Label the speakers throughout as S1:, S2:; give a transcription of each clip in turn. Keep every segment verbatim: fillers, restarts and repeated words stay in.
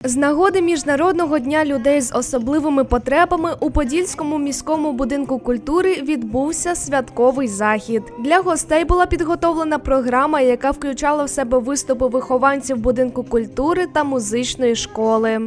S1: З нагоди Міжнародного дня людей з особливими потребами у Подільському міському будинку культури відбувся святковий захід. Для гостей була підготовлена програма, яка включала в себе виступи вихованців будинку культури та музичної школи.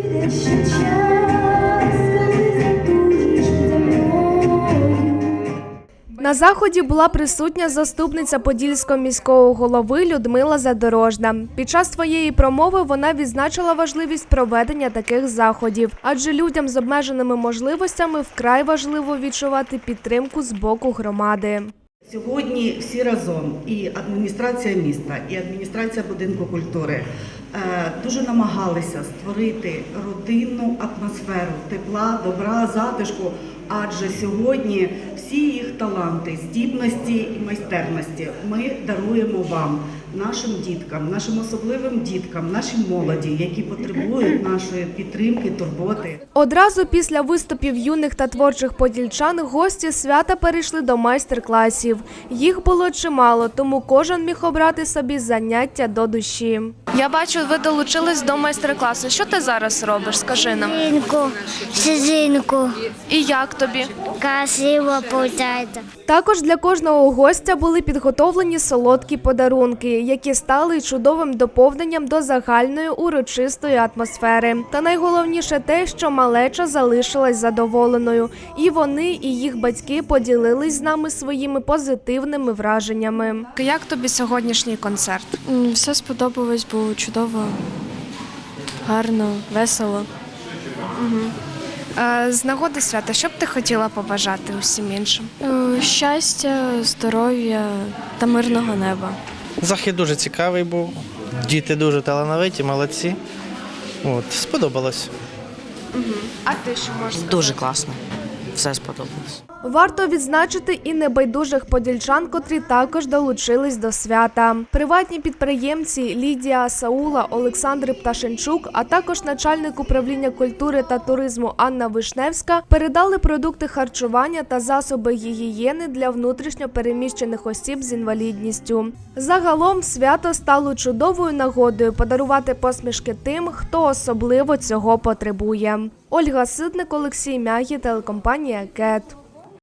S1: На заході була присутня заступниця Подільського міського голови Людмила Задорожна. Під час своєї промови вона відзначила важливість проведення таких заходів, адже людям з обмеженими можливостями вкрай важливо відчувати підтримку з боку громади.
S2: Сьогодні всі разом, і адміністрація міста, і адміністрація будинку культури дуже намагалися створити родинну атмосферу тепла, добра, затишку, адже сьогодні всі їх таланти, здібності і майстерності ми даруємо вам, нашим діткам, нашим особливим діткам, нашій молоді, які потребують нашої підтримки, турботи.
S1: Одразу після виступів юних та творчих подільчан гості свята перейшли до майстер-класів. Їх було чимало, тому кожен міг обрати собі заняття до душі. Я бачу, ви долучились до майстер-класу. Що ти зараз робиш? Скажи нам.
S3: Сизинку, сизинку.
S1: І як тобі?
S3: Красиво виходить.
S1: Також для кожного гостя були підготовлені солодкі подарунки, які стали чудовим доповненням до загальної урочистої атмосфери. Та найголовніше те, що малеча залишилась задоволеною. І вони, і їх батьки поділились з нами своїми позитивними враженнями. Як тобі сьогоднішній концерт?
S4: Все сподобалось, було чудово, гарно, весело.
S1: Угу. З нагоди свята, що б ти хотіла побажати усім іншим?
S4: Щастя, здоров'я та мирного неба.
S5: Захід дуже цікавий був, діти дуже талановиті, молодці. От, сподобалось.
S1: Угу. А ти що можеш сказати?
S6: Дуже класно, все сподобалось.
S1: Варто відзначити і небайдужих подільчан, котрі також долучились до свята. Приватні підприємці Лідія Саула, Олександр Пташенчук, а також начальник управління культури та туризму Анна Вишневська передали продукти харчування та засоби гігієни для внутрішньо переміщених осіб з інвалідністю. Загалом свято стало чудовою нагодою подарувати посмішки тим, хто особливо цього потребує. Ольга Ситник, Олексій Мягі, телекомпанія КЕТ.